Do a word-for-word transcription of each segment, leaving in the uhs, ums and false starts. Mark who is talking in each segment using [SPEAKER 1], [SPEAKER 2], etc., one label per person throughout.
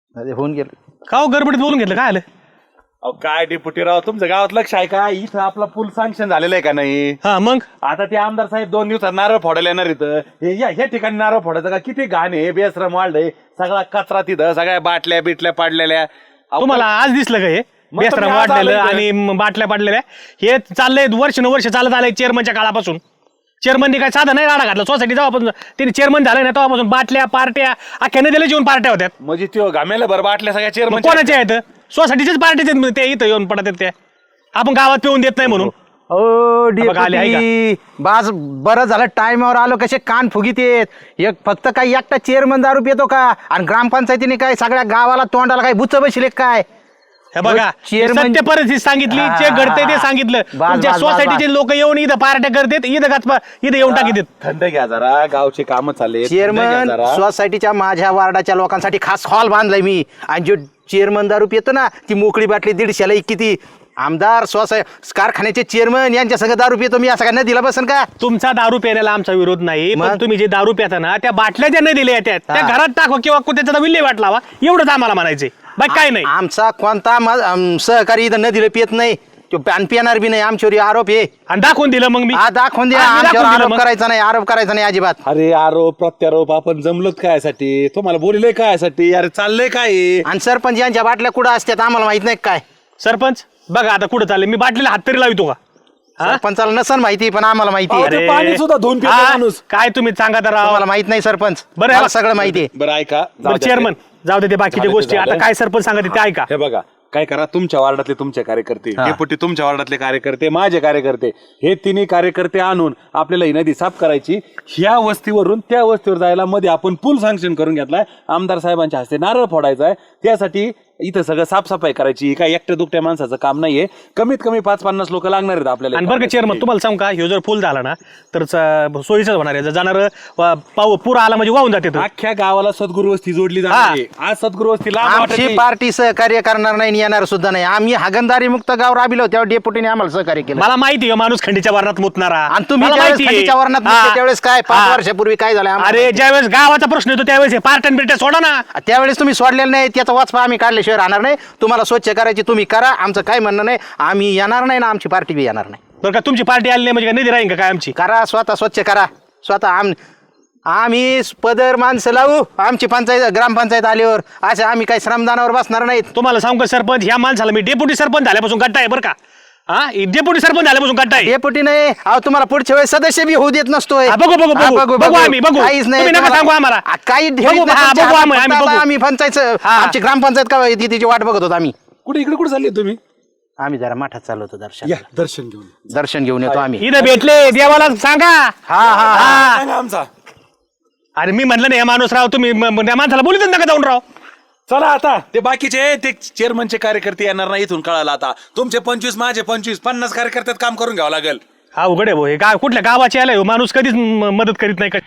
[SPEAKER 1] अरे होऊन गेलं
[SPEAKER 2] का हो गडबडीत बोलून घेतलं काय आलं?
[SPEAKER 3] अहो काय डेप्युटी राव तुमचं गावात लक्ष आहे का? इथं आपला पूल सँक्शन झालेला आहे का नाही?
[SPEAKER 2] हा मग
[SPEAKER 3] आता ते आमदार साहेब दोन दिवसात नारळ फोडायला येणार इथं. हे या ह्या ठिकाणी नारळ फोडायचं का? किती घाण आहे, बेसरम वाढलंय, सगळा कचरा तिथं, सगळ्या बाटल्या बिटल्या पाडलेल्या. अहो,
[SPEAKER 2] तुम्हाला आज दिसलं का हे
[SPEAKER 3] मग
[SPEAKER 2] बेसरम
[SPEAKER 3] तुम्ही आज
[SPEAKER 2] वाढलेलं
[SPEAKER 3] आलाय
[SPEAKER 2] आणि म- बाटल्या पाडलेल्या? हे चाललंय वर्ष वर्ष चालत आलंय चेअरमनच्या काळापासून. चेअरमननी काय साधा नाही राडा घातला सोसायटी जेव्हापासून त्यांनी चेअरमन झालं ना तेव्हापासून बाटल्या पार्ट्या अख्ख्या नदीला जेवून पार्ट्या होत्या.
[SPEAKER 3] म्हणजे त्यो घामेला बरं बाटल्या सगळ्या
[SPEAKER 2] मग
[SPEAKER 3] चेअरमन
[SPEAKER 2] कोणाच्या आहेत? सोसायटीच्याच पार्टीचे ते इथं येऊन पडतात त्या. आपण गावात पिऊन देत नाही म्हणून.
[SPEAKER 1] ओ
[SPEAKER 2] बघा, आले आहे
[SPEAKER 1] डेपुटी बाज बरं झालं टाइमवर आलो. कसे कान फुगीत येत एक फक्त काही एकटा चेअरमन दारू पितो का? आणि ग्रामपंचायतीने काय सगळ्या गावाला तोंडाला काय बुच बसले काय?
[SPEAKER 2] हे बघा
[SPEAKER 1] चेअरमन-
[SPEAKER 2] सत्य परिस्थिती सांगितली
[SPEAKER 1] हा,
[SPEAKER 2] जे घडतंय ते
[SPEAKER 1] हा.
[SPEAKER 2] सांगितलं.
[SPEAKER 1] बास,
[SPEAKER 2] तुमच्या
[SPEAKER 1] बास, बास,
[SPEAKER 2] सोसायटीचे लोक येऊन इथं पार्ट्या करतात इथं गाच इथं येऊन टाकीत.
[SPEAKER 3] थंड घ्या जरा, गावचे काम चालले.
[SPEAKER 1] चेअरमन सोसायटीच्या माझ्या वार्डाच्या लोकांसाठी खास हॉल बांधलाय मी. आणि जो चेअरमन दारू पितो ना ती मोकळी बाटली दीडशेला एक किती. आमदार सोसाय कारखान्याचे चेअरमन यांच्या सगळं दारू पितो मी असं काय दिला बसन का?
[SPEAKER 2] तुमचा दारू प्यायला आमचा विरोध नाही पण
[SPEAKER 1] मग?
[SPEAKER 2] तुम्ही जे दारू पिता ना त्या बाटल्या ज्या नाही दिल्या येतात त्या
[SPEAKER 1] हा.
[SPEAKER 2] घरात टाका किंवा त्याचा विल्हेवाट लावा एवढंच आम्हाला म्हणायचंय बाकी काय नाही.
[SPEAKER 1] आमचा कोणता मा- आम- सहकारी इथं न दिलं पित नाही. तो पॅन पिणार बी नाही. आमच्यावर आरोप आहे.
[SPEAKER 2] आणि दाखवून दिलं मग मी
[SPEAKER 1] हा दाखवून द्या.
[SPEAKER 2] हा, मी
[SPEAKER 1] आमच्यावर
[SPEAKER 2] दाखवून दिलं
[SPEAKER 1] आरोप
[SPEAKER 2] मग.
[SPEAKER 1] करायचा नाही. आरोप करायचा नाही अजिबात.
[SPEAKER 3] अरे आरोप प्रत्यारोप आपण जमलोत कायसाठी? तुम्हाला बोलले कायसाठी? अरे चाललंय काय?
[SPEAKER 1] आणि सरपंच यांच्या बाटल्या कुठं असतात आम्हाला माहित नाही काय?
[SPEAKER 2] सरपंच बघा आता कुठं चालले मी बाटलीला हात तरी लावितो का? हा?
[SPEAKER 1] सरपंचाला नसन माहिती पण आम्हाला माहिती आहे.
[SPEAKER 3] अहो, ते पाणी सुद्धा धुवून पितो
[SPEAKER 2] हा,
[SPEAKER 3] माणूस.
[SPEAKER 2] काय तुम्ही सांगा तर राव.
[SPEAKER 1] तुम्हाला माहित नाही सरपंच.
[SPEAKER 2] बरं,
[SPEAKER 1] मला
[SPEAKER 2] हा.
[SPEAKER 1] सगळं माहिती आहे.
[SPEAKER 3] बरं ऐका, जाऊ
[SPEAKER 2] बरं
[SPEAKER 3] द्या
[SPEAKER 2] चेअरमन
[SPEAKER 3] ते.
[SPEAKER 2] जाऊ दे ते बाकीच्या
[SPEAKER 3] झालं ते
[SPEAKER 2] गोष्टी
[SPEAKER 3] झालं.
[SPEAKER 2] आता काय सरपंच सांगते ते ऐका.
[SPEAKER 3] हे बघा काय करा, तुमच्या वार्डातले तुमचे कार्यकर्ते, डेपुटी तुमच्या वार्डातले कार्यकर्ते, माझे कार्यकर्ते, हे तिन्ही कार्यकर्ते आणून आपल्याला ही नदी साफ करायची. ह्या वस्तीवरून त्या वस्तीवर जायला मध्ये आपण पूल सँक्शन करून घेतलाय. आमदार साहेबांच्या हस्ते नारळ फोडायचा आहे. त्यासाठी इथं सगळं साफसफाई करायची. काय एकट्या दुकट्या माणसाचं काम नाहीये. कमीत कमी पाच पन्नास लोक लागणार आहेत आपल्याला.
[SPEAKER 2] आणि बरं का चेअरमन तुम्हाला सांगू का ह्यो जर पूल झाला ना तर च- सोयीचंच होणार आहे. जर जाणार पाऊ पूर आला म्हणजे वाहून जाते तो.
[SPEAKER 3] अख्ख्या गावाला सद्गुरू वस्ती जोडली जाणार आहे. आज सद्गुरू वस्ती लांब
[SPEAKER 1] आमची
[SPEAKER 3] वाटत
[SPEAKER 1] पार्टी सहकार्य करणार नाही आणि येणार सुद्धा नाही. आम्ही हागंदारी मुक्त गाव राबिलो तेव्हा डेपुटीने आम्हाला सहकार्य केलं.
[SPEAKER 2] मला माहिती आहे माणूस खंडीच्या वर्णात मुतणारा.
[SPEAKER 1] आणि तुम्ही
[SPEAKER 2] मला
[SPEAKER 1] ज्यावेळेस
[SPEAKER 2] माहिती आहे.
[SPEAKER 1] खंडीच्या वर्णात
[SPEAKER 2] हा.
[SPEAKER 1] मुतले त्यावेळेस काय पाच
[SPEAKER 2] हा.
[SPEAKER 1] वर्षापूर्वी काय झालं आम्हाला
[SPEAKER 2] अरे ज्यावेळेस गावाचा प्रश्न येतो त्यावेळेस हे पार्टन बिर्ट्या सोडा ना.
[SPEAKER 1] त्यावेळेस तुम्ही सोडलेलं नाही. त्याचा वाचपा आम्ही काढल्याशिवाय राहणार नाही. तुम्हाला स्वच्छ करायची तुम्ही करा. आमचं काय म्हणणं नाही. आम्ही येणार नाही ना आमची पार्टी बी येणार नाही.
[SPEAKER 2] बरं का तुमची पार्टी आली नाही म्हणजे काय निधी राहील का काय आमची?
[SPEAKER 1] करा स्वतः स्वच्छ करा स्वतः. आम आम्ही पदर माणसं लावू. आमची पंचायत ग्रामपंचायत आल्यावर असे आम्ही काही श्रमदानावर बसणार नाहीत.
[SPEAKER 2] तुम्हाला सांगू का सरपंच ह्या माणसाला मी डेप्युटी सरपंच झाल्यापासून गट्टा आहे बरं का. हा डेप्युटी सरपंच झाल्यापासून गट्टा आहे.
[SPEAKER 1] डेपुटी नाही. अहो तुम्हाला पुढच्या वेळेस सदस्य बी होऊ देत नसतोय.
[SPEAKER 2] हा, बघू, बघू,
[SPEAKER 1] हा,
[SPEAKER 2] बघू. बघू आम्ही, बघू.
[SPEAKER 1] काहीच नाही.
[SPEAKER 2] तुम्ही नका
[SPEAKER 1] तुम्हाला-
[SPEAKER 2] सांगू आम्हाला.
[SPEAKER 1] आ, काही
[SPEAKER 2] बघू,
[SPEAKER 1] ठेवीत नाही
[SPEAKER 2] हा,
[SPEAKER 1] तुमच्या
[SPEAKER 2] बघू
[SPEAKER 1] हातात.
[SPEAKER 2] आम्ही, आम्ही
[SPEAKER 1] फक्त
[SPEAKER 2] बघू.
[SPEAKER 1] आता आम्ही पंचायत
[SPEAKER 2] हा.
[SPEAKER 1] आमची ग्रामपंचायत का होती तिची वाट बघत होतो आम्ही.
[SPEAKER 3] कुठे इकडे कुठे चालले तुम्ही?
[SPEAKER 1] आम्ही जरा मठात चाललो होतो दर्शन
[SPEAKER 3] या दर्शन घेऊन.
[SPEAKER 1] दर्शन घेऊन येतो आम्ही.
[SPEAKER 2] इथं भेटले देवाला सांगा.
[SPEAKER 1] हा हा हा.
[SPEAKER 3] सांगा आमचा.
[SPEAKER 2] अरे मी म्हणलं नाही माणूस राव तुम्ही म- म- त्या माणसाला बोलतच नका जाऊन राव.
[SPEAKER 3] चला आता ते बाकीचे ते चेअरमनचे कार्यकर्ते येणार नाही. इथून कळालं आता तुमचे पंचवीस माझे पंचवीस पन्नास कार्यकर्त्यात काम करून घ्यावं लागेल.
[SPEAKER 2] हा उघड आहे भाऊ हे काय कुठल्या गावाची आलाय हो माणूस कधीच म- मदत करीत नाही का.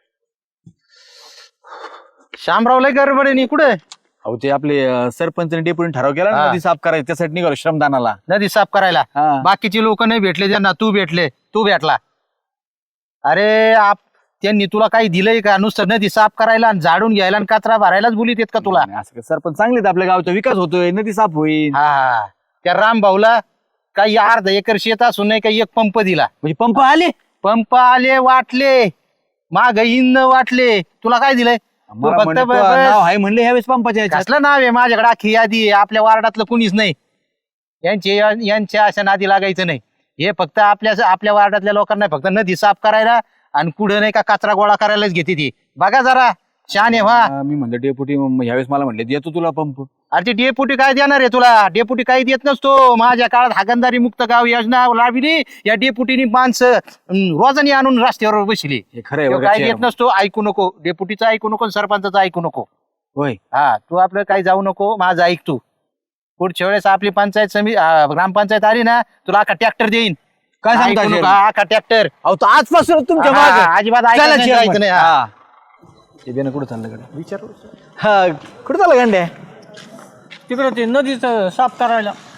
[SPEAKER 1] शामराव लय गडबड आहे कुठे?
[SPEAKER 4] अहो ते आपले अं, सरपंच आणि डेप्युटी ठराव केला ना
[SPEAKER 1] हा.
[SPEAKER 4] नदी साफ करायची त्यासाठी निघालो श्रमदानाला.
[SPEAKER 1] नदी साफ करायला.
[SPEAKER 4] हा.
[SPEAKER 1] बाकीची लोक नाही भेटले त्यांना. तू भेटले तू भेटला. अरे आप त्यांनी तुला काही दिलंय का? नुसतं नदी साफ करायला आणि झाडून घ्यायला आणि कचरा भरायलाच बोलीत येत का तुला?
[SPEAKER 4] आणि असं काय सरपंच चांगले आहेत आपल्या गावचा विकास होतोय नदी साफ होईल.
[SPEAKER 1] हा त्या राम भाऊला काही अर्धा एकर शेत असून नाही काही एक पंप दिला.
[SPEAKER 4] म्हणजे पंप आले.
[SPEAKER 1] पंप आले वाटले माग इन वाटले. तुला काय दिलंय? तू
[SPEAKER 4] मला
[SPEAKER 1] फक्त
[SPEAKER 4] म्हणे,
[SPEAKER 1] ब-
[SPEAKER 4] तो
[SPEAKER 1] बस-
[SPEAKER 4] नाव आहे म्हणले ह्यावेळेस पंपाच्या ह्याच्यात.
[SPEAKER 1] कसलं नाव आहे? माझ्याकडे अख्खी यादी आहे. आपल्या वार्डातलं कुणीच नाही. यांचे यांच्या अशा नादी लागायचं नाही. हे फक्त आपल्या आपल्या वार्डातल्या लोकांना फक्त नदी साफ करायला आणि कुठं नाही का कचरा गोळा करायलाच घेते ती. बघा जरा शाने व्हा.
[SPEAKER 4] अं, मी म्हणलं डेप्युटी ह्यावेळेस मला म्हणले देतो तुला पंप.
[SPEAKER 1] अरे ते डेपुटी काय देणार आहे तुला? डेपुटी काही देत नसतो. माझ्या काळात हागंदारी मुक्त गाव योजना राबविली. या डेपुटीनी माणसं अं, रोजानी आणून रस्त्यावर बसली.
[SPEAKER 4] हे खरं आहे
[SPEAKER 1] तो
[SPEAKER 4] बघा
[SPEAKER 1] काय देत
[SPEAKER 4] chairman.
[SPEAKER 1] नसतो. ऐकू नको. डेपुटीचं ऐकू नको. सरपंचाचं ऐकू नको.
[SPEAKER 4] होय.
[SPEAKER 1] हा तू आपलं काही जाऊ नको. माझं ऐक तू. पुढच्या वेळेस आपली पंचायत समिती ग्रामपंचायत आली ना तुला अख्खा ट्रॅक्टर देईन.
[SPEAKER 4] काय सांगता
[SPEAKER 1] ऐकू नको.
[SPEAKER 4] chairman?
[SPEAKER 1] हा, अख्खा ट्रॅक्टर.
[SPEAKER 4] अहो तो आजपासून तुमच्या
[SPEAKER 1] हा,
[SPEAKER 4] मागे.
[SPEAKER 1] अजिबात
[SPEAKER 4] चला
[SPEAKER 1] ऐकायचं नाही,
[SPEAKER 4] chairman.
[SPEAKER 1] जायचं नाही, हा.
[SPEAKER 4] हा. ते बेनं कुठं चाललं कडे विचार. हा कुठं चाललं गंड्या?
[SPEAKER 5] तिकडं ते नदीचं साफ करायला.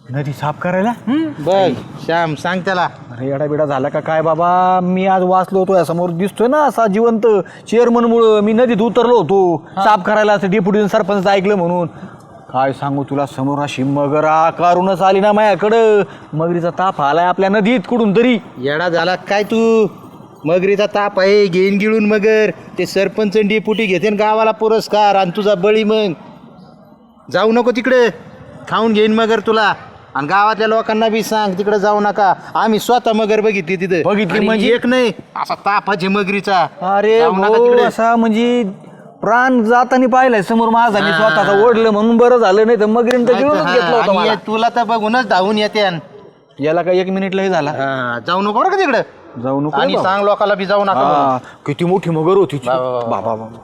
[SPEAKER 4] नदी साफ करायला
[SPEAKER 1] बघ श्याम सांग त्याला.
[SPEAKER 4] अरे येडा बिडा झाला का काय बाबा? मी आज वाचलो होतो समोर दिसतोय ना असा जिवंत चेअरमन मुळे मी नदीत उतरलो होतो साफ करायला, असं डेप्युटी सरपंच ऐकलं म्हणून. काय सांगू तुला, समोर अशी मगर आकारूनच आली ना माझ्याकडं. मगरीचा ताप आलाय आपल्या नदीत कुठून तरी.
[SPEAKER 1] येडा झाला काय तू? मगरीचा ताप आहे, घेईन गिळून मगर. ते सरपंच डेपुटी घेते न गावाला पुरस्कार आणि तुझा बळी. मग जाऊ नको तिकडे, खाऊन घेईन मगर तुला. आणि गावातल्या लोकांना बी सांग तिकडे जाऊ नका. आम्ही स्वतः मगर बघितली तिथे.
[SPEAKER 4] बघितली
[SPEAKER 1] आणि
[SPEAKER 4] म्हणजे?
[SPEAKER 1] एक नाही, असा तापाचे मगरीचा.
[SPEAKER 4] अरे
[SPEAKER 1] जाऊ नका
[SPEAKER 4] भाऊ,
[SPEAKER 1] तिकडे.
[SPEAKER 4] असा म्हणजे प्राण जाताना पाहिलाय समोर माझा. मी स्वतःचा ओढलं म्हणून बरं झालं, नाही तर मगरीन तर गिळूनच घेतलं होतं
[SPEAKER 1] आणि
[SPEAKER 4] मला.
[SPEAKER 1] हे तुला तर बघूनच धावून येते.
[SPEAKER 4] याला काय एक मिनिटलाही झाला.
[SPEAKER 1] जाऊ नको बरं का तिकडे.
[SPEAKER 4] जाऊ नको
[SPEAKER 1] आणि
[SPEAKER 4] रे बाबा.
[SPEAKER 1] सांग लोकांना बी जाऊ नका म्हणून.
[SPEAKER 4] हा, किती मोठी मगर होती ती.
[SPEAKER 1] बाबा, बाबा.
[SPEAKER 4] बाबा बाबा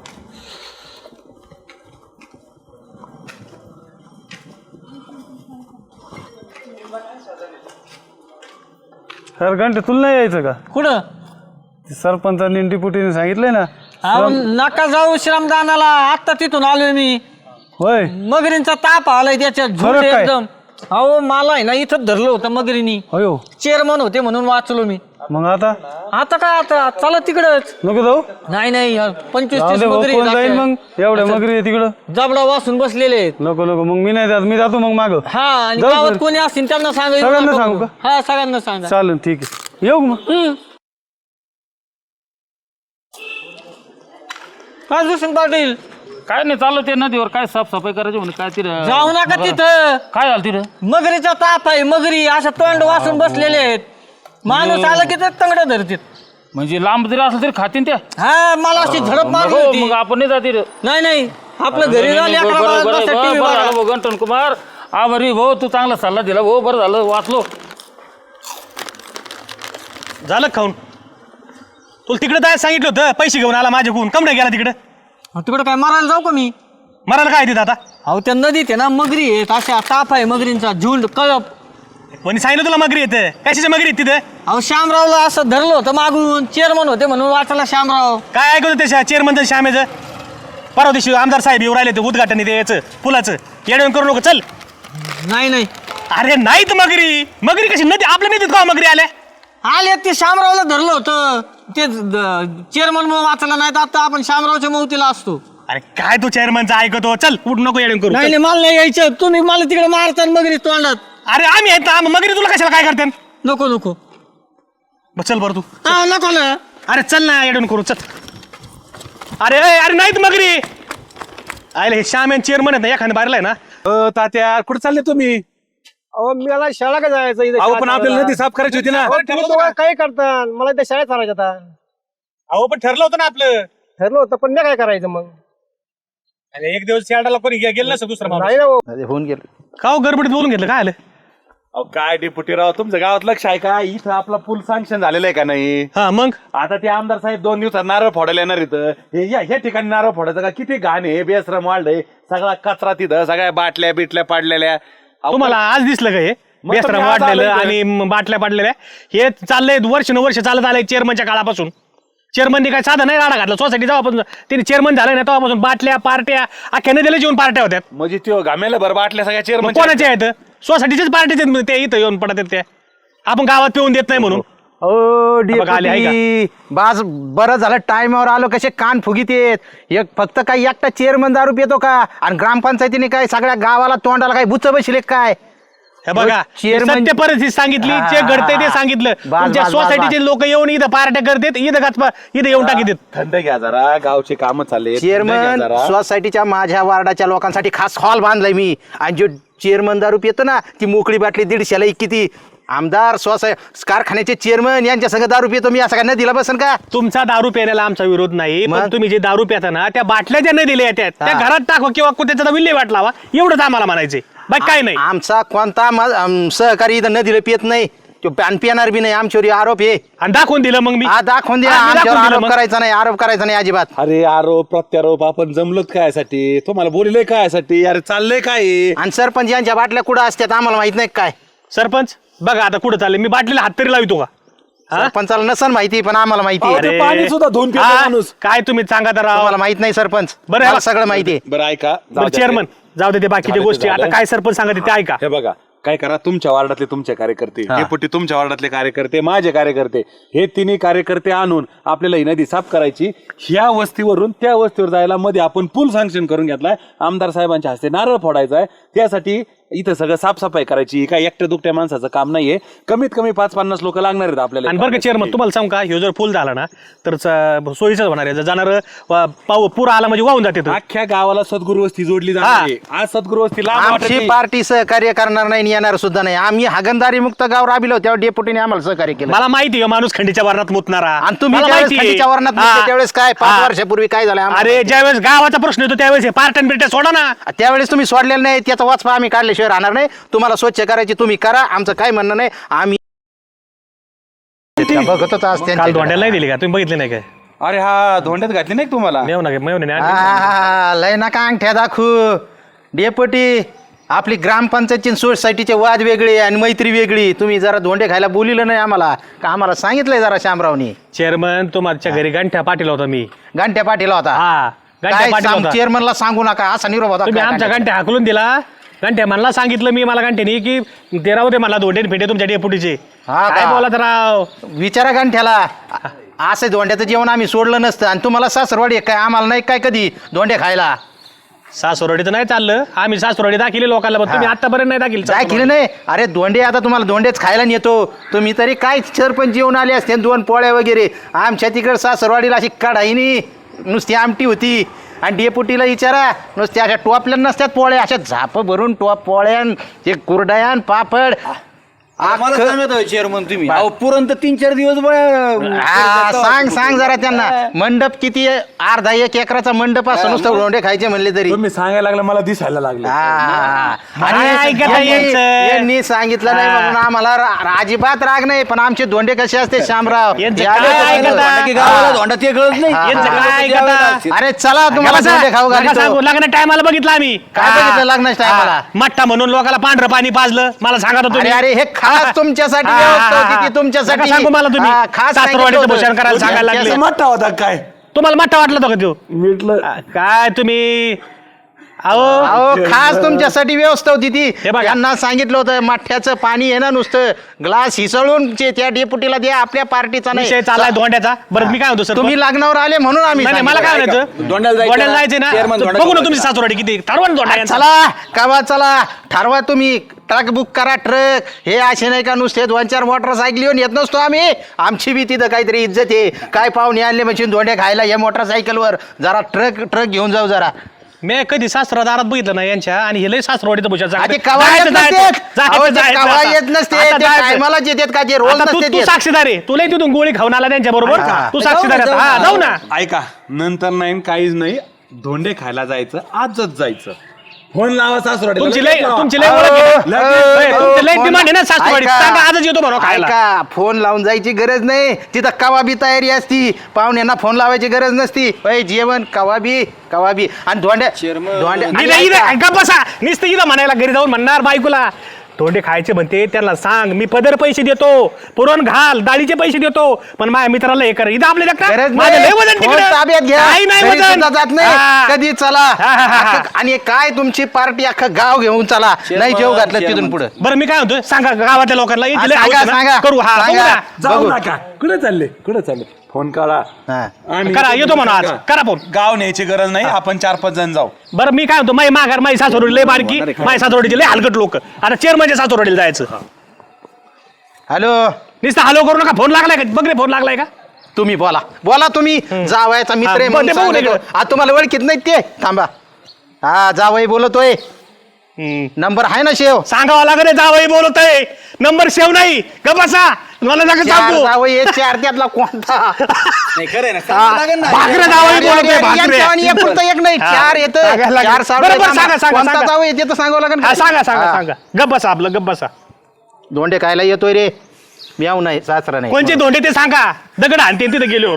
[SPEAKER 5] सर घंटे तुला नाही यायचं का?
[SPEAKER 6] कुठं
[SPEAKER 5] ते सरपंचांनी डिप्युटीने सांगितलंय ना.
[SPEAKER 6] अहो, नका जाऊ श्रमदानाला. आत्ता तिथून आलोय मी.
[SPEAKER 5] होय
[SPEAKER 6] मगरींचा ताप आलाय त्याच्यात झुंड
[SPEAKER 5] खरं काय?
[SPEAKER 6] एकदम. अहो मला आहे ना इथं धरलं होतं मगरीनी.
[SPEAKER 5] अयो
[SPEAKER 6] चेअरमन होते म्हणून वाचलो मी.
[SPEAKER 5] मग आता
[SPEAKER 6] आता काय आता चला तिकडच.
[SPEAKER 5] नको जाऊ.
[SPEAKER 6] नाही नाही पंचवीस
[SPEAKER 5] जाऊ
[SPEAKER 6] तीस
[SPEAKER 5] दे भाऊ,
[SPEAKER 6] मगरी
[SPEAKER 5] कोण जाईल
[SPEAKER 6] आहेत.
[SPEAKER 5] मग एवढ्या मगरी आहे तिकडं.
[SPEAKER 6] जबडा वासून बसलेले आहेत.
[SPEAKER 5] नको नको मग मी नाही जात, मी जातो मग माग.
[SPEAKER 6] हा आणि
[SPEAKER 5] जाऊ
[SPEAKER 6] गावात
[SPEAKER 5] बरं.
[SPEAKER 6] कोणी असतील त्यांना सांगा.
[SPEAKER 5] सगळ्यांना सांगू का?
[SPEAKER 6] हा सगळ्यांना सांगा.
[SPEAKER 5] चालेल ठीक आहे, येऊ मग.
[SPEAKER 6] हम्म. काय दुसरं पाटील
[SPEAKER 7] काय नाही चाललं ते नदीवर काय साफसफाई करायची म्हणून काय तिथं
[SPEAKER 6] जाऊ नका तिथं.
[SPEAKER 7] काय झालं तिथं?
[SPEAKER 6] मगरीचा ताप आहे. मगरी अशा तोंड वासून बसलेले आहेत. माणूस आला की तंगड धरतील.
[SPEAKER 7] म्हणजे लांब जरी असलं तरी खातीन त्या.
[SPEAKER 6] हा मला अशी झडप मारली
[SPEAKER 7] हो,
[SPEAKER 6] होती.
[SPEAKER 7] मग आपण नाही जाते रे.
[SPEAKER 6] नाही नाही आपलं घरी झाली अकरा
[SPEAKER 7] बरं,
[SPEAKER 6] बारा
[SPEAKER 7] बरं,
[SPEAKER 6] वाजता
[SPEAKER 7] बरं,
[SPEAKER 6] टीव्ही
[SPEAKER 7] बरं
[SPEAKER 6] बघा.
[SPEAKER 7] झालं भाऊ गंटन कुमार. आभारी भाऊ, तू चांगला सल्ला दिला भाऊ. बरं झालं वाचलो.
[SPEAKER 2] झालं का खाऊन? तुला तिकडे जायला सांगितलं होतं, पैसे घेऊन आला माझ्याकडून. कम नाही गेला तिकडे?
[SPEAKER 6] तिकडे काय मारायला जाऊ का मी?
[SPEAKER 2] मरायला काय तिथं आता?
[SPEAKER 6] अहो त्या नदीत आहे ना मगरी आहेत. अशा ताप आहे मगरींचा झुंड कळप.
[SPEAKER 2] कोणी सांगितलं तुला मगरी येते? कशाच्या मगरी आहेत तिथे?
[SPEAKER 6] अहो श्यामरावला असं धरलं होतं मागून. चेअरमन होते म्हणून वाचला श्यामराव.
[SPEAKER 2] काय ऐकतो त्या चेअरमनचं श्यामेचं? परवा दिवशी आमदार साहेब येऊ राहिले ते उद्घाटन ते याचं पुलाचं. येडवण करू नको चल.
[SPEAKER 6] नाही नाही
[SPEAKER 2] अरे नाहीत मगरी. मगरी कशी नदी आपल्या नदीत का मगरी आल्या?
[SPEAKER 6] आले ते श्यामरावला धरलं होतं. ते चेअरमन म्हणून वाचला नाही तर आता आपण श्यामरावच्या मौतीला असतो.
[SPEAKER 2] अरे काय तू चेअरमनचं ऐकतो? चल उठ नको येडवण करू.
[SPEAKER 6] नाही
[SPEAKER 2] चल.
[SPEAKER 6] नाही मला नाही यायचं. तुम्ही मला तिकडे मारता मगरी तोंडात.
[SPEAKER 2] अरे आम्ही आहेत ना, मगरी तुला कशाला काय करते?
[SPEAKER 6] नको नको.
[SPEAKER 2] बस चल बरं तू.
[SPEAKER 6] हा नको ना.
[SPEAKER 2] अरे चल ना येडवण करू चल. अरे अरे अरे नाहीत मगरी. आयला हे श्याम चेअरमन आहेत ना, एखाद्या बाहेरला आहे ना.
[SPEAKER 3] अ, तात्या कुठे चालले तुम्ही?
[SPEAKER 8] अहो मला शाळा का जायचं इथे?
[SPEAKER 3] अहो पण आपल्याला नदी साफ करायची होती ना.
[SPEAKER 8] काय करतात? मला इथे शाळेत चालायचं आता.
[SPEAKER 2] अहो पण ठरलं होतं ना आपलं.
[SPEAKER 8] ठरलं होतं पण मी काय करायचं मग?
[SPEAKER 2] अरे एक दिवस यार्डाला कोणी गे- गेलं नसतं दुसरं माणूस.
[SPEAKER 8] नाही ना भाऊ.
[SPEAKER 1] अरे होऊन गेलं.
[SPEAKER 2] का हो गडबडीत बोलून घेतलं काय आलं?
[SPEAKER 3] अहो काय डेप्युटी राव, तुमच्या गावात लक्ष आहे का? इथं आपला पूल सँक्शन झालेला आहे का नाही?
[SPEAKER 2] हा मग
[SPEAKER 3] आता ते आमदार साहेब दोन दिवसात नारळ फोडायला येणार इथं. हे या ह्या ठिकाणी नारळ फोडायचं का? किती घाण आहे, बेसरम वाढलंय. सगळा कचरा तिथं, सगळ्या बाटल्या बिटल्या पाडलेल्या. अहो,
[SPEAKER 2] तुम्हाला आज दिसलं का हे
[SPEAKER 3] मग
[SPEAKER 2] बेसरम
[SPEAKER 3] तुम्ही आज
[SPEAKER 2] वाढलेलं
[SPEAKER 3] आलं इथं.
[SPEAKER 2] आणि म- बाटल्या पाडलेल्या? हे चाललंय वर्ष न वर्ष चालत आलंय चेअरमनच्या काळापासून. चेअरमनने काय साधा नाही राडा घातला सोसायटी जेव्हापासून त्यांनी चेअरमन झालं ना तेव्हापासून बाटल्या पार्ट्या अख्या नदीला जेवण पार्ट्या होत्या.
[SPEAKER 3] म्हणजे ते घामेला भर बाटल्या सगळ्या
[SPEAKER 2] मग
[SPEAKER 3] चेअरमन
[SPEAKER 2] कोणाच्या आहेत? सोसायटीच्याच पार्टीचे आहेत ते इथं येऊन पडत आहेत त्या. आपण गावात पिऊन देत नाही म्हणून.
[SPEAKER 1] ओ
[SPEAKER 2] बघा, आले, आहे
[SPEAKER 1] डेपुटी बाज बरं झालं टाइमवर आलो. कसे कान फुगीत येत. एक फक्त काही एकटा चेअरमन दारू पितो का? आणि ग्रामपंचायतीने काय सगळ्या गावाला तोंडाला काय बुच बसले काय?
[SPEAKER 2] हे बघा
[SPEAKER 1] चेअरमन-
[SPEAKER 2] सत्य परिस्थिती सांगितली, जे घडते ते सांगितलं.
[SPEAKER 1] बास,
[SPEAKER 2] तुमच्या
[SPEAKER 1] बास, बास,
[SPEAKER 2] सोसायटीचे लोक येऊन इथं पार्ट्या करतात, इथं गाच इथं येऊन टाकीत.
[SPEAKER 3] थंड घ्या जरा, गावचे काम चालले.
[SPEAKER 1] चेअरमन सोसायटीच्या माझ्या वार्डाच्या लोकांसाठी खास हॉल बांधलाय मी. आणि जो चेअरमन दारू पितो ना ती मोकळी बाटली दीडशेला एक किती. आमदार सोसाय कारखान्याचे चेअरमन यांच्या सगळं दारू पितो मी. असं काय नदीला बसन का?
[SPEAKER 2] तुमचा दारू पिण्याला आमचा विरोध नाही, पण
[SPEAKER 1] मग?
[SPEAKER 2] तुम्ही जे दारू पिता ना त्या बाटल्या ज्या नदीला येतात त्या
[SPEAKER 1] हा.
[SPEAKER 2] घरात टाकवा किंवा कुठे विल्हेवाट लावा, एवढंच आम्हाला म्हणायचंय. बाकी काय नाही.
[SPEAKER 1] आमचा कोणता मा- आम- सहकारी इथं नदीला पित नाही. तो पान पिणार बी नाही. आमच्यावर आरोप आहे.
[SPEAKER 2] आणि दाखवून दिलं मग मी.
[SPEAKER 1] हा दाखवून द्या.
[SPEAKER 2] हा, मी
[SPEAKER 1] आमच्यावर
[SPEAKER 2] दाखवून दिलं
[SPEAKER 1] आरोप
[SPEAKER 2] मग.
[SPEAKER 1] करायचा नाही. आरोप करायचा नाही अजिबात.
[SPEAKER 3] अरे आरोप प्रत्यारोप आपण जमलोत कायसाठी? तुम्हाला बोलले कायसाठी? अरे चाललंय काय?
[SPEAKER 1] आणि सरपंच यांच्या बाटल्या कुठं असतात आम्हाला माहित नाही काय?
[SPEAKER 2] सरपंच बघा आता कुठं चाललंय. मी बाटलीला हात तरी लावितो का? हा?
[SPEAKER 1] सरपंचाला नसन माहिती पण आम्हाला माहिती आहे.
[SPEAKER 3] अहो, ते
[SPEAKER 2] अरे.
[SPEAKER 3] पाणी सुद्धा धुवून पितो
[SPEAKER 2] हा,
[SPEAKER 3] माणूस.
[SPEAKER 2] काय तुम्ही सांगा तर राव.
[SPEAKER 1] तुम्हाला माहित नाही सरपंच.
[SPEAKER 2] बरं,
[SPEAKER 1] मला
[SPEAKER 2] बा-
[SPEAKER 1] सगळं माहिती आहे.
[SPEAKER 3] बरं ऐका, जाऊ
[SPEAKER 2] बरं
[SPEAKER 3] द्या
[SPEAKER 2] चेअरमन
[SPEAKER 3] ते.
[SPEAKER 2] जाऊ दे ते बाकीच्या
[SPEAKER 3] झालं ते
[SPEAKER 2] गोष्टी. आता
[SPEAKER 3] झालं.
[SPEAKER 2] काय सरपंच सांगा ते ऐका.
[SPEAKER 3] हे बघा, काय करा, तुमच्या वार्डातले तुमचे कार्यकर्ते, डेपुटी तुमच्या वार्डातले कार्यकर्ते, माझे कार्यकर्ते, हे तिन्ही कार्यकर्ते आणून आपल्याला ही नदी साफ करायची. ह्या वस्तीवरून त्या वस्तीवर जायला मध्ये आपण पूल सँक्शन करून घेतलाय. आमदार साहेबांच्या हस्ते नारळ फोडायचा आहे. त्यासाठी इथं सगळं साफसफाई करायची. ही काय एकट्या दुकट्या माणसाचं काम नाहीये. कमीत कमी पाच पन्नास लोक लागणार आहेत आपल्याला.
[SPEAKER 2] आणि बरं का चेअरमन, तुम्हाला सांग का, ह्यो जर फुल झाला ना तर च- सोयीचंच होणार आहे. जर जाणार पाऊ पूर आला म्हणजे वाहून जाते तो.
[SPEAKER 3] अख्ख्या गावाला सद्गुरू वस्ती जोडली जाणार आहे. आज सद्गुरू वस्ती लांब वाटत
[SPEAKER 1] आमची
[SPEAKER 3] नाही.
[SPEAKER 1] पार्टी सहकार्य करणार नाही आणि येणार सुद्धा नाही. आम्ही हागंदारी मुक्त गाव राबिलो तेव्हा डेपुटीने आम्हाला सहकार्य केलं.
[SPEAKER 2] मला माहिती आहे माणूस खंडीच्या वर्णात मुतणारा.
[SPEAKER 1] आणि तुम्ही
[SPEAKER 2] मला
[SPEAKER 1] ज्यावेळेस
[SPEAKER 2] माहिती आहे.
[SPEAKER 1] खंडीच्या वर्णात
[SPEAKER 2] हा.
[SPEAKER 1] मुतले त्यावेळेस काय पाच
[SPEAKER 2] हा.
[SPEAKER 1] वर्षापूर्वी काय झालं आम्हाला
[SPEAKER 2] अरे ज्यावेळेस गावाचा प्रश्न येतो त्यावेळेस हे पार्टन बिर्ट्या सोडा ना.
[SPEAKER 1] त्यावेळेस तुम्ही सोडलेलं नाही. त्याचा वाचपा आम्ही काढल्याशिवाय राहणार नाही. तुम्हाला स्वच्छ करायची तुम्ही करा, आमचं काय म्हणणं नाही. आम्ही बघतच आज
[SPEAKER 2] काल
[SPEAKER 1] त्यांच्याकडे.
[SPEAKER 2] धोंड्याला नाही दिली का तुम्ही बघितले नाही काय?
[SPEAKER 3] अरे हा धोंड्यात घातली नाही का तुम्हाला?
[SPEAKER 2] मेव ना मेव नाही
[SPEAKER 1] आ, लय नका अंगठ्या दाखवू डेपुटी. आपली ग्रामपंचायतची सोसायटीचे वाद वेगळे आणि मैत्री वेगळी. तुम्ही जरा धोंडे खायला बोलिलं नाही आम्हाला का? आम्हाला सांगितलंय जरा शामरावनी.
[SPEAKER 2] चेअरमन तुमच्या घरी गंठ्या पाटील होता मी.
[SPEAKER 1] घंट्या पाटील होता.
[SPEAKER 2] हा गंठ्या
[SPEAKER 1] काय
[SPEAKER 2] पाटील होता.
[SPEAKER 1] चेअरमनला सांगू नका असा निरोप होता.
[SPEAKER 2] तुम्ही
[SPEAKER 1] काय
[SPEAKER 2] आमच्या
[SPEAKER 1] घंट्या?
[SPEAKER 2] गंठ्या हाकलून दिला. गंठ्या म्हणला सांगितलं मी मला गंठ्यानी की ते राहू दे मला धोंडे फेटे तुमच्या डेपुटीचे.
[SPEAKER 1] हा का?
[SPEAKER 2] काय बोलत राव.
[SPEAKER 1] विचारा घंट्याला. असं धोंड्याचं जेवण आम्ही सोडलं नसतं. आणि तुम्हाला सासरवाडी आहे काय? आम्हाला नाही काय कधी धोंडे खायला.
[SPEAKER 2] सासुरवाडीचं नाही चाललं. आम्ही सासुरवाडी दाखिले लोकांना पण तुम्ही आतापर्यंत नाही दाखिल.
[SPEAKER 1] काय केलं नाही? अरे धोंडे आता तुम्हाला धोंडेच खायला नेतो. तुम्ही तरी काय सरपंच जेवण आले असते दोन पोळ्या वगैरे. आमच्या तिकडे सासरवाडीला अशी कढाईनी नुसती आमटी होती. आणि डेपुटीला विचारा नुसत्या अशा टोपल्या नसत्यात पोळ्या, अशा झाप भरून टोप पोळ्यान ते कुरडयान पापड.
[SPEAKER 4] चेअरमन तुम्ही अहो पुरण तर तीन चार दिवस
[SPEAKER 1] हा, सांग सांग जरा त्यांना. मंडप किती आहे? अर्धा एक एकराचा मंडप असं नुसतं धोंडे खायचे म्हणले तरी.
[SPEAKER 3] तुम्ही सांगायला लागलं मला दिसायला लागले.
[SPEAKER 1] हा.
[SPEAKER 2] काय
[SPEAKER 1] आणि
[SPEAKER 2] ऐकता
[SPEAKER 1] यांनी-
[SPEAKER 2] यांचं?
[SPEAKER 1] यांनी सांगितलं नाही म्हणून आम्हाला रा- अजिबात राग नाही. पण आमचे धोंडे कसे असते शामराव?
[SPEAKER 2] यांचं
[SPEAKER 1] हे आले
[SPEAKER 2] काय
[SPEAKER 1] तर
[SPEAKER 2] ऐकता?
[SPEAKER 1] बरं.
[SPEAKER 4] की गावाला धोंडा ते कळत नाही.
[SPEAKER 1] हा,
[SPEAKER 2] यांचं
[SPEAKER 1] हा.
[SPEAKER 2] काय ऐकता?
[SPEAKER 1] अरे चला तुम्हाला धोंडे खाऊ घालतो.
[SPEAKER 2] सांगू लग्न टायमाला बघितलं आम्ही.
[SPEAKER 1] काय बघितलं लग्नाच्या टायमाला?
[SPEAKER 2] मट्टा म्हणून लोकांना पांढरं पाणी पाजलं. मला सांगा तर
[SPEAKER 1] अरे
[SPEAKER 2] तुम्ही.
[SPEAKER 1] अरे हे खास तुमच्यासाठी
[SPEAKER 2] हा, हा,
[SPEAKER 1] व्यवस्था
[SPEAKER 2] हा,
[SPEAKER 1] होती
[SPEAKER 2] हा.
[SPEAKER 1] ती तुमच्यासाठी.
[SPEAKER 2] नका सांगू मला तुम्ही.
[SPEAKER 1] हा, खास
[SPEAKER 2] सासरवाडीचं
[SPEAKER 1] सांगितलं होतं.
[SPEAKER 2] भूषण करायला सांगायला लागले.
[SPEAKER 3] त्याचा मोठा होता काय?
[SPEAKER 2] तुम्हाला मट्टा वाटला होता का तो? काय तुम्ही अहो
[SPEAKER 1] अहो खास तुमच्यासाठी व्यवस्था होती ती.
[SPEAKER 2] हे बघा.
[SPEAKER 1] यांना सांगितलं होतं मठ्याचं पाणी आहे ना नुसतं ग्लास हिसळून जे त्या डेपुटीला द्या, आपल्या पार्टीचा नाही.
[SPEAKER 2] विषय चाललाय धोंड्याचा. बरं मी काय म्हणतो सर,
[SPEAKER 1] तुम्ही लग्नावर आले म्हणून आम्ही
[SPEAKER 2] नाही नाही, मला काय
[SPEAKER 1] सांगितलं.
[SPEAKER 2] म्हणायचं
[SPEAKER 4] धोंड्याला जायचं
[SPEAKER 2] धोंड्याला
[SPEAKER 4] ना?
[SPEAKER 2] जायचंय ना
[SPEAKER 4] चेअरमन
[SPEAKER 2] तर
[SPEAKER 4] धोंड्याला
[SPEAKER 2] बघू ना तुम्ही
[SPEAKER 4] जायचं.
[SPEAKER 2] सासुरवाडी किती ठरवा ना धोंडा यांचा.
[SPEAKER 1] चला कवा चला ठरवा तुम्ही. ट्रक बुक करा ट्रक. हे असे नाही का नुसते दोन चार मोटरसायकल येऊन येत नसतो आम्ही. आमची बी तिथं काहीतरी इज्जत आहे. काय पाहुणे आणले म्हणजे धोंडे खायला या मोटरसायकलवर. जरा ट्रक ट्रक घेऊन जाऊ जरा.
[SPEAKER 2] मी कधी सासरा दारात बघितलं नाही यांच्या. आणि हे लय सासरवाडीचं भूषण सांगतात.
[SPEAKER 1] आधी कवा येत
[SPEAKER 2] जायचं,
[SPEAKER 1] नसते.
[SPEAKER 2] जायचं,
[SPEAKER 1] अहो,
[SPEAKER 2] जायचं,
[SPEAKER 1] ते कवा
[SPEAKER 2] जायचं.
[SPEAKER 1] येत नसते.
[SPEAKER 2] आता
[SPEAKER 1] ते
[SPEAKER 2] जायचं.
[SPEAKER 1] टायमालाच येतात का? ते रोज
[SPEAKER 2] आता तू
[SPEAKER 1] नसते
[SPEAKER 2] तू
[SPEAKER 1] ते.
[SPEAKER 2] साक्षीदार आहे. तुला तिथून गोळी खाऊन आला त्यांच्या बरोबर.
[SPEAKER 1] हा.
[SPEAKER 2] तू साक्षीदार आहे. हा जाऊ ना.
[SPEAKER 3] ऐका, नंतर नाही काहीच नाही. धोंडे खायला जायचं, आजच जायचं. फोन लावा सासुरवाडीला.
[SPEAKER 2] तुमची लय
[SPEAKER 3] लावा.
[SPEAKER 2] तुमची लय
[SPEAKER 1] अहो,
[SPEAKER 2] ओळख आहे.
[SPEAKER 1] अहो,
[SPEAKER 2] ए, तुमची लय
[SPEAKER 1] फोन-
[SPEAKER 2] डिमांड आहे ना सासरवाडी.
[SPEAKER 1] ऐका.
[SPEAKER 2] सांगा आजच येतो म्हणून खायला.
[SPEAKER 1] ऐका, फोन लावून जायची गरज नाही. तिथं कवाबी तयारी असती. पाहुण्यांना फोन लावायची गरज नसती. अय जेवण कवाबी कवाबी आणि धोंड्या धोंड्या
[SPEAKER 2] मी
[SPEAKER 1] आणि
[SPEAKER 2] नाही इथं-
[SPEAKER 1] ऐका,
[SPEAKER 2] ऐका बसा नुसतं इथं म्हणायला घरी जाऊन म्हणणार बायकोला धोंडे खायचे म्हणते त्यांना सांग मी पदर पैसे देतो पुरण घाल डाळीचे पैसे देतो पण माझ्या मित्राला हे कर इथं आपल्या
[SPEAKER 1] गरज
[SPEAKER 2] देखता माझं लय वजन
[SPEAKER 1] नाही. फोन
[SPEAKER 2] तिकडं.
[SPEAKER 1] ताब्यात घ्या.
[SPEAKER 2] काही नाही
[SPEAKER 1] घरी
[SPEAKER 2] वजन.
[SPEAKER 1] सुद्धा जात नाही.
[SPEAKER 2] हा.
[SPEAKER 1] कधी चला
[SPEAKER 2] हा, हा, हा, हा.
[SPEAKER 1] अख्खं- आणि काय तुमची पार्टी अख्खं गाव घेऊन चला. नाही जेव घातलं तिथून पुढे.
[SPEAKER 2] बरं मी काय म्हणतो सांगा गावातल्या लोकांना
[SPEAKER 1] हा,
[SPEAKER 2] इथे लय
[SPEAKER 1] सांगा,
[SPEAKER 2] हौस आहे ना.
[SPEAKER 1] सांगा.
[SPEAKER 2] करू हा बघू
[SPEAKER 1] सांगा.
[SPEAKER 2] ना.
[SPEAKER 3] जाऊ
[SPEAKER 1] बघू.
[SPEAKER 3] नका. कुठे चालले कुठे चालले? फोन काढा. आम्ही
[SPEAKER 2] करा येतो म्हणा आज करा फोन.
[SPEAKER 3] गाव न्यायची गरज नाही. आपण चार पाच जण जाऊ.
[SPEAKER 2] बरं मी काय म्हणतो माई माघार माई सासरोडी लय बारकी माई सासरोडीचे लय हलकट लोक आता चेअरमनच्या सासरोडीला जायचं.
[SPEAKER 1] हॅलो
[SPEAKER 2] नुसतं हॅलो करू नका. फोन लागलाय का बघ रे फोन लागलाय का.
[SPEAKER 1] तुम्ही बोला बोला तुम्ही. जावायचा मित्र आहे
[SPEAKER 2] हा,
[SPEAKER 1] म्हणून
[SPEAKER 2] बघ ते बघू
[SPEAKER 1] सांगायचं.
[SPEAKER 2] इकडं.
[SPEAKER 1] आ, तुम्हाला ओळखीत नाही ते थांबा. हा जावई बोलतोय. नंबर आहे ना शेव.
[SPEAKER 2] सांगावं लागत रे जावई बोलतोय नंबर सेव नाही ग बसा मला नका
[SPEAKER 1] चार
[SPEAKER 2] सांगू.
[SPEAKER 1] जावई आहेत, चार त्यातला कोणता?
[SPEAKER 4] नाही खरं आहे ना सांगावं लागेल ना.
[SPEAKER 2] भाकरे जावई
[SPEAKER 1] अरे,
[SPEAKER 2] बोलतोय
[SPEAKER 1] अरे,
[SPEAKER 2] भाकरे.
[SPEAKER 1] यांच्या आणि एक पुरतं एक नाही
[SPEAKER 2] हा.
[SPEAKER 1] चार येत
[SPEAKER 2] सांगायला लागेल.
[SPEAKER 1] चार सावळे
[SPEAKER 2] बरं, बरं,
[SPEAKER 1] सांगा.
[SPEAKER 2] सांगा, सांगा,
[SPEAKER 1] कोणता
[SPEAKER 2] सांगा.
[SPEAKER 1] जावई येते तर सांगावं लागेल.
[SPEAKER 2] हा, सांगा सांगा
[SPEAKER 1] हा.
[SPEAKER 2] सांगा गप बसा आपलं गप बसा.
[SPEAKER 1] धोंडे खायला येतोय रे. म्याव नाही सासरा नाही.
[SPEAKER 2] कोणचे धोंडे ते सांगा दगड आणते तिथे गेल्यावर.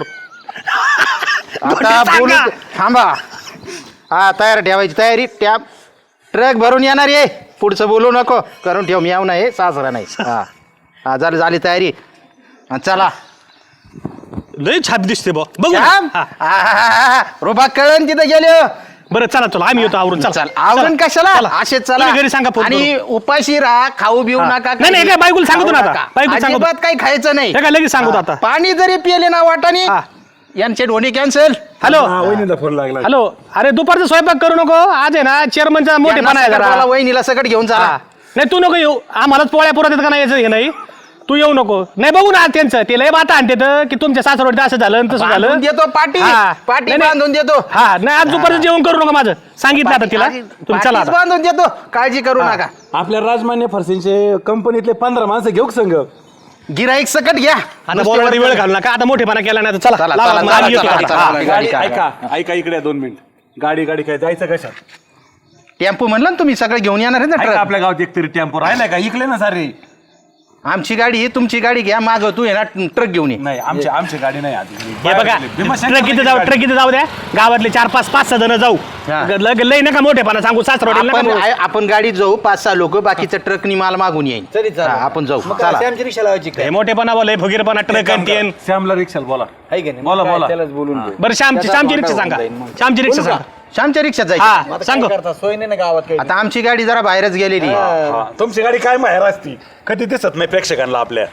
[SPEAKER 2] धोंडे
[SPEAKER 1] आता
[SPEAKER 2] सांगा.
[SPEAKER 1] बोलू थांबा. हा तयार ठेवायची तयारी. टॅब ट्रक भरून येणार आहे. पुढचं बोलू नको करून ठेव. म्याव नाही सासरा नाही. हा हा झाली झाली तयारी. हा, चला
[SPEAKER 2] लय छाप दिसते बघ बघू ना.
[SPEAKER 1] श्याम
[SPEAKER 2] हा.
[SPEAKER 1] रुबा कळण तिथं गेलो.
[SPEAKER 2] बरं चला चला आम्ही येतो आवरून चला
[SPEAKER 1] चल आवरण कशाला असे चला
[SPEAKER 2] तुम्ही घरी सांगा फोन
[SPEAKER 1] आणि उपाशी राहा खाऊ बिऊ नका
[SPEAKER 2] नाही, नाही, काय बायकोला सांगतो ना
[SPEAKER 1] खाऊ
[SPEAKER 2] आता.
[SPEAKER 1] नका.
[SPEAKER 2] बायकोला सांगतो.
[SPEAKER 1] अजिबात काही खायचं नाही
[SPEAKER 2] हे काय लगेच सांगतो आता
[SPEAKER 1] पाणी जरी पिले ना वाटाने
[SPEAKER 2] हा.
[SPEAKER 1] यांचे ढोणी कॅन्सल
[SPEAKER 2] हॅलो
[SPEAKER 3] वहिनीला फोन लागला
[SPEAKER 2] हॅलो अरे दुपारचा स्वयंपाक करू नको आज आहे ना चेअरमनचा मोठेपणा आहे जरा
[SPEAKER 1] वहिनीला सगळं घेऊन
[SPEAKER 2] हा.
[SPEAKER 1] चला
[SPEAKER 2] नाही तू नको येऊ आम्हालाच पोळ्या पुरत येत का नाही यायचं हे नाही तू येऊ नको नाही बघू ना त्यांचं ते लय बाता आणते की तुमच्या सासरवडीत असं झालं आणि तसं झालं
[SPEAKER 1] बांधून देतो पाटी
[SPEAKER 2] हा.
[SPEAKER 1] पाटी
[SPEAKER 2] नाही, नाही.
[SPEAKER 1] बांधून देतो
[SPEAKER 2] हा नाही आज दुपारचं जेवण करू नका माझं सांगितलं आता तिला तुम्ही चला
[SPEAKER 1] पाटीच
[SPEAKER 2] आता.
[SPEAKER 1] बांधून देतो काळजी करू नका
[SPEAKER 3] आपल्या राजमान्य फरसेंचे कंपनीतले पंधरा माणसं घेऊ का संघ
[SPEAKER 1] गिराईक सकट घ्या
[SPEAKER 2] आता बोलायला वेळ घालू नका आता मोठेपणा केला नाही तर चला
[SPEAKER 1] चला,
[SPEAKER 2] लावा,
[SPEAKER 1] चला,
[SPEAKER 2] मग
[SPEAKER 1] चला,
[SPEAKER 2] आम्ही येतो
[SPEAKER 1] चला,
[SPEAKER 2] आता.
[SPEAKER 1] चला.
[SPEAKER 2] हा.
[SPEAKER 1] गाडी
[SPEAKER 3] गाडी
[SPEAKER 1] काढा.
[SPEAKER 3] ऐका ऐका इकडे दोन मिनिट गाडी गाडी काय जायचं कशात
[SPEAKER 1] टेम्पो म्हणलं ना तुम्ही सगळं घेऊन येणार आहे ना
[SPEAKER 3] ऐका,
[SPEAKER 1] ट्रक
[SPEAKER 3] आपल्या गावात एक तरी टेम्पो राहिलाय का इकले ना सारे
[SPEAKER 1] आमची गाडी ही तुमची गाडी घ्या माग तू आहे ना ट्रक घेऊन ये
[SPEAKER 3] नाही आमची आमची गाडी नाही आधी
[SPEAKER 2] हे बघा ट्रक इथे जाऊ ट्रक इथे जाऊ द्या गावातले चार पाच पाच सहा जण जाऊ
[SPEAKER 1] हा.
[SPEAKER 2] लग- लय नका मोठेपणा सांगू सासरवाडीला
[SPEAKER 1] आपण
[SPEAKER 2] नका बोलू.
[SPEAKER 1] आ- आपण गाडीत जाऊ पाच सहा लोक बाकीचं ट्रकनी माल मागून येईल
[SPEAKER 4] तरी चालेल.
[SPEAKER 1] हा, आपण जाऊ
[SPEAKER 4] मग
[SPEAKER 1] चला
[SPEAKER 4] काय, आमची रिक्षा लावायची काय
[SPEAKER 2] हे मोठेपणा बोल फुगीरपणा ट्रक आणतीन
[SPEAKER 3] श्यामला रिक्षाला बोला
[SPEAKER 4] आहे की नाही
[SPEAKER 3] बोला,
[SPEAKER 4] मग काय,
[SPEAKER 3] बोला.
[SPEAKER 4] त्यालाच बोलून घेऊ.
[SPEAKER 2] बरं श्यामची श्यामची रिक्षा सांगा श्यामची रिक्षा सांगा
[SPEAKER 1] श्यामच्या रिक्षात जायचं
[SPEAKER 2] हा
[SPEAKER 4] आता
[SPEAKER 2] सांगू
[SPEAKER 4] काय करता सोय नाही ना गावात काही
[SPEAKER 1] आता आमची गाडी जरा बाहेरच गेलेली आहे.
[SPEAKER 3] हा, तुमची गाडी काय माहेर असती कधी दिसत नाही प्रेक्षकांना आपल्या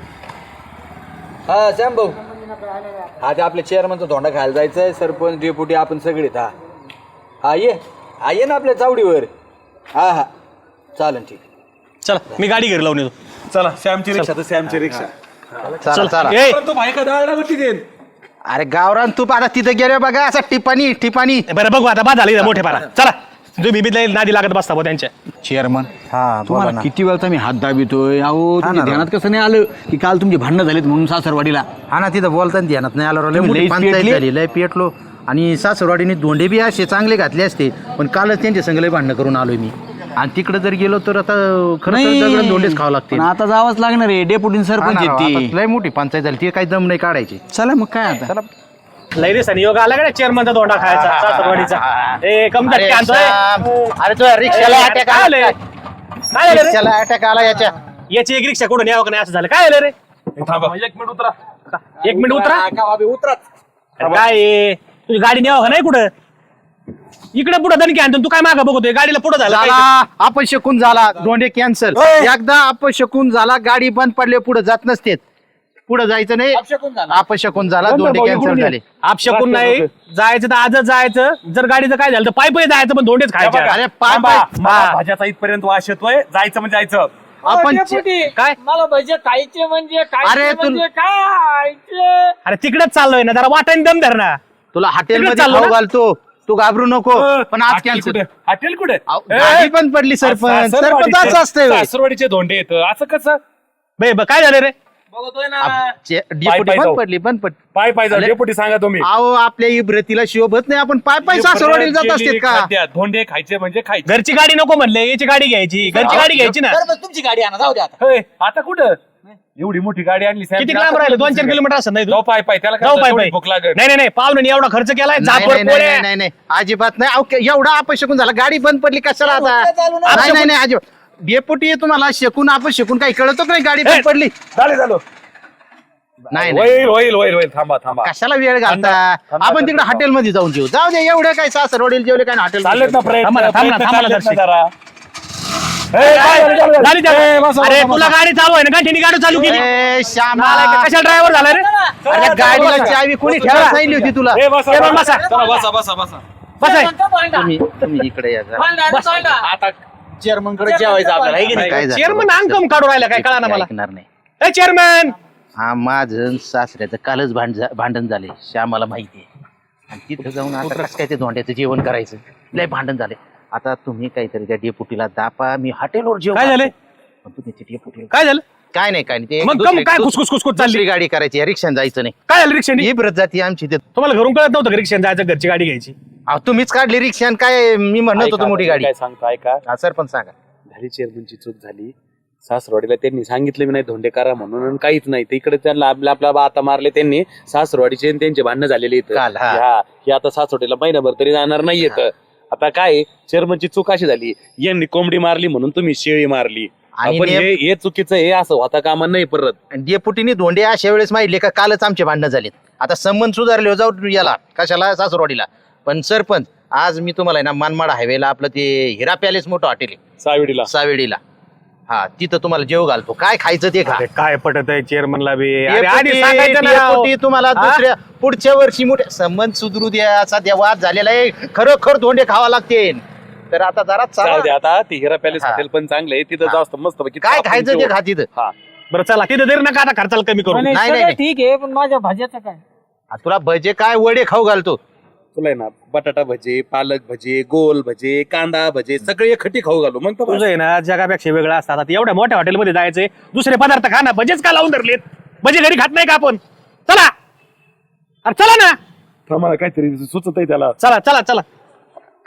[SPEAKER 4] हा श्याम भाऊ आज आपल्या चेअरमनचा धोंडा खायला जायचंय सरपंच डेपुटी आपण सगळेच हा हा ये हा ये ना आपल्या चावडीवर हा हा चालेल ठीक
[SPEAKER 2] चला मी गाडी घरी लावून येतो
[SPEAKER 3] चला श्यामची रिक्षा तर श्यामची रिक्षा
[SPEAKER 1] चला चला
[SPEAKER 2] ए,
[SPEAKER 3] तू भाई का दाळा होती देन
[SPEAKER 1] अरे गावरान तूप आता तिथे गेले बघा असं टिपाणी टिपाणी
[SPEAKER 2] बरं बघू आता बाद झाली मोठेपणा चला तुम्ही बिबीत नादी लागत बसता भाऊ त्यांच्या
[SPEAKER 4] चेअरमन
[SPEAKER 1] हा
[SPEAKER 4] तुम्हाला किती वेळचा मी हात दाबितोय अहो तुमच्या ध्यानात कसं नाही आलं की काल तुमची भांडणं झालीत म्हणून सासरवाडीला
[SPEAKER 1] हा ना तिथं बोलताना ध्यानात नाही आलं लय
[SPEAKER 4] तुम्ही
[SPEAKER 1] मोठी
[SPEAKER 4] लईच
[SPEAKER 1] पंचायत
[SPEAKER 4] पेटली.
[SPEAKER 1] झाली लय पेटलो आणि सासरवाडीने धोंडे बी असे चांगले घातले असते पण कालच त्यांच्या संग लय भांडणं करून आलोय मी आणि तिकडे जर गेलो तर आता खरं तर दगडं धोंडेच खावं लागते
[SPEAKER 4] पण आता जावंच लागणार आहे डेपुटी सरपंच आहेत ती
[SPEAKER 1] लय मोठी पंचायत झाली ती काही दम नाही काढायची
[SPEAKER 4] चला मग काय आता
[SPEAKER 2] लय दिवसांनी योग आला का चेअरमनचा धोंडा खायचा सासरवाडीचा ए कम
[SPEAKER 1] अरे
[SPEAKER 2] आणतोय
[SPEAKER 1] श्याम, अरे तुझ्या रिक्षाला अटॅक
[SPEAKER 2] काय
[SPEAKER 1] आला
[SPEAKER 2] आलंय? काय आलं रे?
[SPEAKER 1] रिक्षाला अटॅक आला याच्या
[SPEAKER 2] याची एक रिक्षा कुठून यावं का नाही असं झालं काय आलं रे
[SPEAKER 7] एक मिनिट उतरा
[SPEAKER 2] एक मिनिट उतरा
[SPEAKER 4] उतरा
[SPEAKER 2] अरे काय आहे? तुझी गाडी न्यावं का नाही कुठं इकडे पुढे दणकी आणतो तू काय मागं बघतोय गाडीला पुढे झालं काय?
[SPEAKER 1] झाला अपशकून झाला धोंडे कॅन्सल एकदा अपशकून झाला गाडी बंद पडले पुढे जात नसते पुढे जायचं नाही अपशकून झाला धोंडे कॅन्सल झाले
[SPEAKER 2] आपशकून नाही जायचं तर आजच जायचं जर गाडीचं काय झालं तर पायी पायी जायचं पण धोंडेच खायचे
[SPEAKER 1] अरे पाय
[SPEAKER 3] थांबा,
[SPEAKER 1] पाय
[SPEAKER 3] मला
[SPEAKER 2] हा.
[SPEAKER 3] भाज्याचा इथपर्यंत वास येतोय जायचं म्हणजे जायचं
[SPEAKER 1] आपण
[SPEAKER 2] काय
[SPEAKER 7] मला भजे खायचे म्हणजे
[SPEAKER 1] अरे
[SPEAKER 7] खायचे
[SPEAKER 1] तू-
[SPEAKER 7] म्हणजे खायचे
[SPEAKER 2] अरे तिकडेच चाललोय ना जरा वाटाने दम धर ना
[SPEAKER 1] तुला हॉटेल
[SPEAKER 2] तिकडे
[SPEAKER 1] मध्ये
[SPEAKER 2] चाललो
[SPEAKER 1] खाऊ
[SPEAKER 2] ना?
[SPEAKER 1] घालतो तू घाबरू नको पण आज
[SPEAKER 3] हॉटेल
[SPEAKER 1] कॅन्सल
[SPEAKER 3] कुठे हॉटेल कुठे
[SPEAKER 1] गाडी पण पडली सरपंच सरपंच असं असतंय होय.
[SPEAKER 3] सासरवाडीचे धोंडे येत असं कसं
[SPEAKER 2] बे ब- काय झालं रे
[SPEAKER 7] बघतोय ना
[SPEAKER 1] आप- चे-
[SPEAKER 3] पाय
[SPEAKER 1] डेपुटी
[SPEAKER 3] पाय
[SPEAKER 1] बंद
[SPEAKER 3] जाऊ.
[SPEAKER 1] पडली बंद पडली
[SPEAKER 3] पाय पाय जाऊ
[SPEAKER 1] अरे.
[SPEAKER 3] डेपुटी सांगा तुम्ही
[SPEAKER 1] अहो आपल्या इब्रतीला शिवभत नाही आपण पाय पाय सासरवाडीला जात असते का
[SPEAKER 3] खाद्यात धोंडे खायचे म्हणजे खायचे
[SPEAKER 2] घरची गाडी नको म्हणले याची गाडी घ्यायची घरची गाडी घ्यायची ना
[SPEAKER 4] तुमची गाडी आणा जाऊ द्या आता
[SPEAKER 3] होय, आता कुठं एवढी मोठी गाडी आणली साहेब.
[SPEAKER 2] किती लांब राहिलं दोन चार किलोमीटर असं नाही तू?
[SPEAKER 3] जाऊ पाय पाय त्याला काय
[SPEAKER 2] जाऊ
[SPEAKER 3] होतं,
[SPEAKER 2] पाय
[SPEAKER 3] तेवढी
[SPEAKER 2] पाय
[SPEAKER 3] भूक लागेल
[SPEAKER 2] नाही नाही नाही पाहुणे एवढा खर्च केलाय
[SPEAKER 1] नाही,
[SPEAKER 2] जाफर
[SPEAKER 1] नाही, नाही,
[SPEAKER 2] पोळ्या.
[SPEAKER 1] नाही नाही अजिबात नाही अहो, एवढा अपशकून झाला गाडी बंद पडली कशाला आता
[SPEAKER 4] चालू ना.
[SPEAKER 1] नाही नाही नाही अजिबात डेपुटी तुम्हाला शकून आपण शकून काही कळतच नाही गाडी बंद पडली
[SPEAKER 3] झालं झालं
[SPEAKER 1] नाही नाही
[SPEAKER 3] होईल होईल होईल होईल थांबा थांबा
[SPEAKER 1] कशाला वेळ घालता
[SPEAKER 3] थांबा,
[SPEAKER 1] आपण तिकडे
[SPEAKER 3] थांबा.
[SPEAKER 1] हॉटेलमध्ये जाऊन जेऊ जाऊ दे एवढं काय सासरवाडीला जेवले काय हॉटेल
[SPEAKER 3] चाललेत ना प्रयत्न
[SPEAKER 2] थांबा ना, थांबा ना,
[SPEAKER 3] प्रयत्न
[SPEAKER 2] थांबा ना,
[SPEAKER 3] चाललेत ना
[SPEAKER 2] दर्शक.
[SPEAKER 3] जरा. ए, काय झालं, झालं, झालं.
[SPEAKER 2] झाली त्या-
[SPEAKER 3] ए, बसा,
[SPEAKER 2] अरे
[SPEAKER 3] बसा,
[SPEAKER 2] तुला
[SPEAKER 3] बसा.
[SPEAKER 2] गाडी चालू आहे ना गाठीने गाडी चालू केली
[SPEAKER 1] श्यामा
[SPEAKER 2] नालायक, कशाला ड्रायव्हर झाला रे
[SPEAKER 1] अरे गाडीला चावी कोणी ठेवायला सांगितली होती तुला
[SPEAKER 3] ए, बसा,
[SPEAKER 2] ए, बसा.
[SPEAKER 3] बसा. चला, बसा बसा बसा
[SPEAKER 2] बस आहे
[SPEAKER 1] तुम्ही तुम्ही इकडे या जरा.
[SPEAKER 3] आता
[SPEAKER 4] चेअरमन कडे जेवायचं आपल्याला आहे की नाही
[SPEAKER 1] काय झालं?
[SPEAKER 2] चेअरमन अंकम काढू राहिला काय कळा ना मला
[SPEAKER 1] ऐकणार नाही
[SPEAKER 2] ए चेअरमन
[SPEAKER 1] हा माझं सासऱ्याचं कालच भांड भांडण झाले श्यामाला माहिती आहे आणि तिथं जाऊन आता कसं काय ते धोंड्याचं जेवण करायचं लय भांडण झाले आता तुम्ही काहीतरी त्या डेपुटीला दापा मी हॉटेलवर जेवण
[SPEAKER 2] काय झाले?
[SPEAKER 1] पण तुम्ही त्या डेपुटीला
[SPEAKER 2] काय झालं
[SPEAKER 1] काय नाही काय नाही ते
[SPEAKER 2] मग कम
[SPEAKER 1] दुसरी-
[SPEAKER 2] काय खुसखुस खुसखुस चालली
[SPEAKER 1] दुसरी गाडी करायची रिक्षाने जायचं नाही
[SPEAKER 2] काय झालं रिक्षाने
[SPEAKER 1] ही ब्रत जाती आमची ते
[SPEAKER 2] तुम्हाला घरून कळत नव्हतं रिक्षाने जायचं घरची गाडी घ्यायची
[SPEAKER 1] अहो, तुम्हीच काढली रिक्षा आणि काय मी म्हणत होतो मोठी गाडी
[SPEAKER 3] काय सांगतो ऐका
[SPEAKER 1] हा सर पण सांगा
[SPEAKER 3] झाली चेअरमनची चूक झाली सासरवाडीला त्यांनी सांगितलं मी नाही धोंडे करा म्हणून आणि काहीच नाही ते इकडे त्यांना आपल्या आपल्या आता मारले त्यांनी सासरवाडीचे आणि त्यांचे भांडणं झालेले इथं
[SPEAKER 1] काल, हा.
[SPEAKER 3] हा हे आता सासरवाडीला महिनाभर तरी जाणार नाही येत आता काय चेअरमनची चूक अशी झाली यांनी कोंबडी मारली म्हणून तुम्ही शेळी मारली
[SPEAKER 1] आणि
[SPEAKER 3] आपण
[SPEAKER 1] ने-
[SPEAKER 3] हे हे चुकीचं हे असं होता कामा नाही परत
[SPEAKER 1] आणि डेपुटीने धोंडे अशा वेळेस माहितले का कालच आमचे भांडणं झालेत आता संबंध सुधारले हो, जाऊ याला कशाला सासरवाडीला पण सरपंच आज मी तुम्हाला आहे ना मनमाड हायवेला आपलं ते हिरा पॅलेस मोठं हॉटेल आहे
[SPEAKER 3] सावेडीला
[SPEAKER 1] सावेडीला, हा तिथं तुम्हाला जेव घालतो. काय खायचं ते खा.
[SPEAKER 2] अरे काय पटत आहे चेअरमनला बी अरे
[SPEAKER 1] डेपुटी,
[SPEAKER 2] आधी सांगायचं ना राव.
[SPEAKER 1] डेपुटी तुम्हाला
[SPEAKER 2] हा?
[SPEAKER 1] दुसऱ्या पुढच्या वर्षी मोठे संबंध सुधरू द्या. सध्या वाद झालेला आहे, खरोखर धोंडे खावा लागते. तर आता जरा
[SPEAKER 3] जाऊ दे
[SPEAKER 1] चला.
[SPEAKER 3] आता ती हिरा पॅलेस
[SPEAKER 1] हा.
[SPEAKER 3] हॉटेल पण चांगलं आहे तिथं जास्त मस्त पैकी
[SPEAKER 1] काय
[SPEAKER 3] आपण
[SPEAKER 1] खायचं ते
[SPEAKER 3] जेवू.
[SPEAKER 1] खा तिथं.
[SPEAKER 3] हा
[SPEAKER 2] बरं चला तिथं तरी नका आता खर्चाला कमी करू.
[SPEAKER 6] नाही,
[SPEAKER 1] नाही,
[SPEAKER 6] सगळं
[SPEAKER 1] नाही.
[SPEAKER 6] ठीक आहे पण माझ्या भाज्याचं काय?
[SPEAKER 1] आ, तुला भजे काय वडे खाऊ घालतो.
[SPEAKER 3] तुला आहे ना बटाटा भजे, पालक भजे, गोल भजे, कांदा भजे सगळे खटी खाऊ घालू मग
[SPEAKER 2] तुझं आहे ना जगापेक्षा वेगळं असतात. आता एवढ्या मोठ्या हॉटेलमध्ये जायचंय दुसरे पदार्थ खा ना. भजेच का लावून धरलेत? भजे घरी खात नाही का आपण? चला अरे चला ना,
[SPEAKER 3] मला काहीतरी सुचत आहे त्याला.
[SPEAKER 2] चला चला चला.